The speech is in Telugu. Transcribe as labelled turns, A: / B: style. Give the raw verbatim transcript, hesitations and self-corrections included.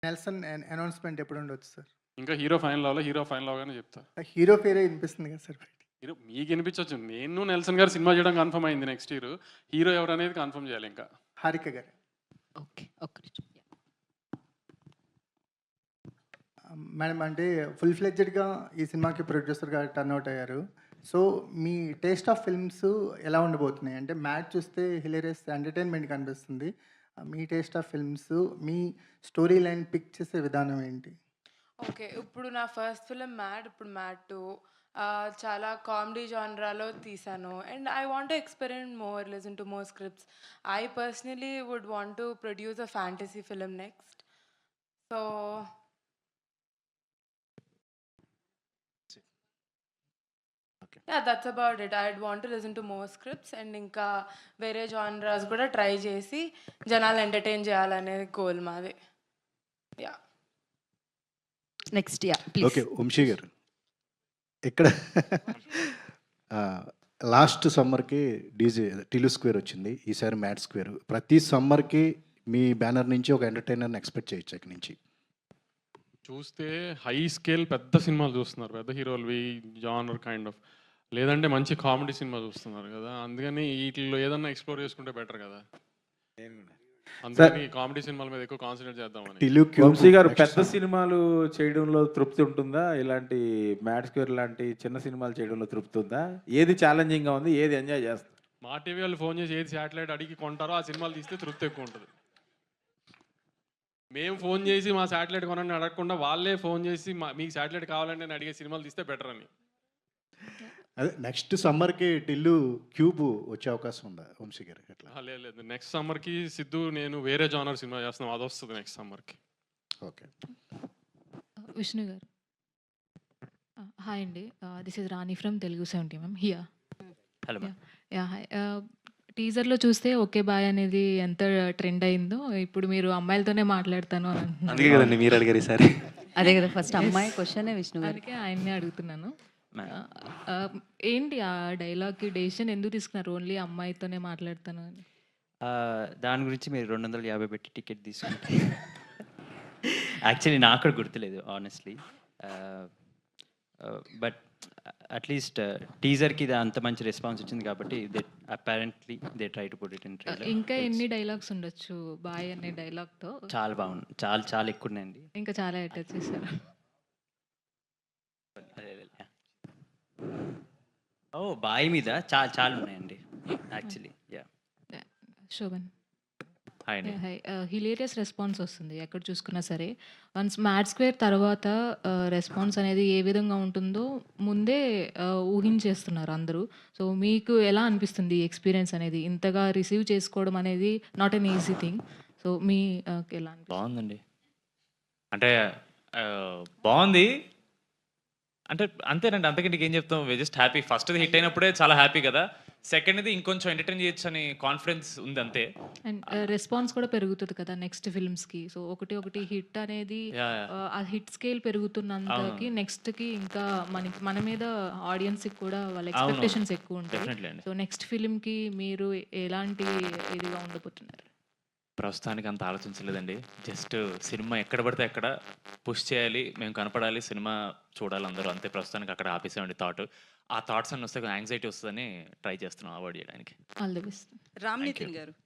A: నెల్సన్ అన్ అనౌన్స్‌మెంట్ ఎప్పుడుండొచ్చు సార్?
B: ఇంకా హీరో ఫైనల్ అవ్వలే. హీరో ఫైనల్ అవ్వగానే చెప్తా.
A: ఆ హీరో పేరే ఇనిపిస్తుంది కదా సార్ బయటికి.
B: హీరో మీకు వినిపించొచ్చు. నేను నెల్సన్ గారు సినిమా చేయడం కన్ఫర్మ్ అయింది నెక్స్ట్ ఇయర్. హీరో ఎవరనేది కన్ఫర్మ్ చేయాలి ఇంకా.
A: హారిక గారు.
C: ఓకే. ఒక్క నిమిషం.
A: ఆహ్, మేడం అంటే ఫుల్ ఫ్లెడ్జెడ్‌గా ఈ సినిమాకి ప్రొడ్యూసర్‌గా టర్న్ అవుట్ అయ్యారు. సో, మీ టేస్ట్ ఆఫ్ ఫిల్మ్స్ ఎలా ఉండబోతున్నాయి? అంటే 'మ్యాడ్' చూస్తే హిలేరియస్ ఎంటర్‌టైన్‌మెంట్ కనిపిస్తుంది. ఆహ్, మీ టేస్ట్ ఆఫ్ ఫిల్మ్స్, మీ స్టోరీ లైన్ పిక్ చేసే విధానం ఏంటి?
D: ఓకే. ఇప్పుడు నా ఫస్ట్ ఫిల్మ్ 'మ్యాడ్' ఇప్పుడు 'మ్యాడ్ టూ' ఆహ్, చాలా కామెడీ జానరాలో తీశాను. And I want to experiment more, listen to more scripts. I personally would want to produce a fantasy film next. So yeah! That's about it. I'd want to listen to more scripts and ఇంకా వేరే జానరాస్ కూడా ట్రై చేసి జనాల్ని ఎంటర్‌టైన్ చేయాలనే గోల్ మాది. Yeah!
C: Next yeah! Please.
E: Okay. Vamsi garu. ఇక్కడ ఆహ్, లాస్ట్ సమ్మర్‌కి డీజే టిలు స్క్వేర్ వచ్చింది. ఈసారి మ్యాడ్ స్క్వేర్. ప్రతి సమ్మర్‌కి మీ బ్యానర్ నుంచి ఒక ఎంటర్‌టైనర్‌ని ఎక్స్‌పెక్ట్ చేయొచ్చా ఇక నుంచి?
B: చూస్తే హై స్కేల్ పెద్ద సినిమాలు చూస్తున్నారు. పెద్ద హీరోలవి జానర్ కైండ్ ఆఫ్. లేదంటే మంచి కామెడీ సినిమా చూస్తున్నారు కదా! అందుకని ఈటిల్లో ఏదన్నా ఎక్స్‌ప్లోర్ చేసుకుంటే బెటర్ కదా! అందుకని కామెడీ సినిమాల మీద ఎక్కువ కాన్సంట్రేట్ చేద్దామని.
E: టిలు క్యూబ్
F: వంశీ గారు
E: నెక్స్ట్
F: పెద్ద సినిమాలు చేయడంలో తృప్తి ఉంటుందా? ఇలాంటి మ్యాడ్ స్క్వేర్ లాంటి చిన్న సినిమాలు చేయడంలో తృప్తి ఉందా? ఏది ఛాలెంజింగ్‌గా ఉంది? ఏది ఎంజాయ్ చేస్తారు?
B: మా టీవీ వాళ్ళు ఫోన్ చేసి ఏది శాటిలైట్ అడిగి కొంటారో ఆ సినిమాలు తీస్తే తృప్తి ఎక్కువ ఉంటది. మేము ఫోన్ చేసి మా శాటిలైట్ కొనండి అడగకుండా వాళ్ళే ఫోన్ చేసి మా మీకు శాటిలైట్ కావాలంటే అని అడిగే సినిమాలు తీస్తే బెటర్ అని.
E: అదే నెక్స్ట్ సమ్మర్‌కి టిల్లు క్యూబ్ వచ్చే అవకాశం ఉందా వంశీ గారు ఎట్లా?
B: ఆ, లేదు లేదు నెక్స్ట్ సమ్మర్కి సిద్ధు నేను వేరే జానర్ సినిమా చేస్తున్నాం, అది వస్తుంది నెక్స్ట్ సమ్మర్కి.
E: ఓకే.
G: విష్ణు గారు. హాయ్ అండి. This is Rani from Telugu seventy ma'am here.
H: Hello ma'am.
G: Yeah hi. టీజర్లో చూస్తే ఓకే బాయ్ అనేది ఎంత ట్రెండ్ అయిందో ఇప్పుడు మీరు అమ్మాయిలతోనే మాట్లాడతాను అని అంటున్నారు.
H: అందుకే కదండి మీరు అడిగారు ఈసారి.
C: అదే కదా ఫస్ట్ అమ్మాయి క్వశ్చనే విష్ణు గారు.
G: అందుకే ఆయన్నే అడుగుతున్నాను.
H: మ్యామ్.
G: ఆ, ఏంటి ఆ డైలాగ్కి డెసిషన్ ఎందుకు తీసుకున్నారు ఓన్లీ అమ్మాయితోనే మాట్లాడతాను అని?
H: ఆ, దాని గురించి మీరు రెండు వందల యాభై పెట్టి టికెట్ తీసుకుంటే యాక్చువల్లీ నాకు కూడా గుర్తులేదు ఆనెస్ట్లీ. బట్ అట్లీస్ట్ టీజర్కి ఇది అంత మంచి రెస్పాన్స్ వచ్చింది కాబట్టి they apparently they try to put it in trailer.
G: ఇంకా ఎన్ని డైలాగ్స్ ఉండొచ్చు బాయ్ అనే డైలాగ్తో?
H: చాలా బాగుంది. చాలా చాలా ఎక్కువ ఉన్నాయండి.
G: ఇంకా చాలా అటాచ్ చేశారు.
H: ఓ బాయ్ మీద చాలా చాలా ఉన్నాయండి యాక్చువల్లీ. యా
G: శోభన్.
H: హాయ్ అండి.
G: హై. హిలేరియస్ రెస్పాన్స్ వస్తుంది ఎక్కడ చూసుకున్నా సరే. వన్స్ మ్యాడ్ స్క్వేర్ తర్వాత రెస్పాన్స్ అనేది ఏ విధంగా ఉంటుందో ముందే ఆహ్, ఊహించేస్తున్నారు అందరూ. సో, మీకు ఎలా అనిపిస్తుంది ఈ ఎక్స్‌పీరియన్స్ అనేది? ఇంతగా రిసీవ్ చేసుకోవడం అనేది not an easy thing. So, మీ ఆహ్, ఎలా అనిపిస్తుంది?
I: బాగుందండి. అంటే ఆహ్, బావుంది. అంటే అంతేనండి. అంతకంటే ఇంకేం చెప్తాం. We just happy. ఫస్ట్‌ది హిట్ అయినప్పుడే చాలా హ్యాపీ కదా! సెకండ్‌ది ఇంకొంచెం ఎంటర్‌టైన్ చేయొచ్చని కాన్ఫిడెన్స్ ఉంది అంతే.
G: అండ్ రెస్పాన్స్ కూడా పెరుగుతది కదా నెక్స్ట్ ఫిల్మ్స్‌కి. సో, ఒకటి ఒకటి హిట్ అనేది
I: యాహ్! యాహ్!
G: ఆహ్, ఆ హిట్ స్కేల్ పెరుగుతున్నంతకి
I: అవును.
G: నెక్స్ట్‌కి ఇంకా మనకి మన మీద ఆడియన్స్‌కి కూడా వాళ్ళ
I: అవును.
G: ఎక్స్‌పెక్టేషన్స్ ఎక్కువ ఉంటాయి.
I: డెఫినెట్‌లీ అండి.
G: సో, నెక్స్ట్ ఫిల్మ్‌కి మీరు ఎలాంటి ఇదిగా ఉండబోతున్నారు?
I: ప్రస్తుతానికి అంత ఆలోచించలేదండి. జస్ట్ సినిమా ఎక్కడ పడితే అక్కడ పుష్ చేయాలి. మేము కనపడాలి. సినిమా చూడాలి అందరూ. అంతే ప్రస్తుతానికి అక్కడ ఆపేసామండి థాట్. ఆ థాట్స్ అన్నీ వస్తే యాంగ్జైటీ వస్తదని ట్రై చేస్తున్నాం అవాయిడ్ చేయడానికి.
G: All the best.
C: Ram
I: thank you.
C: Nitin గారు.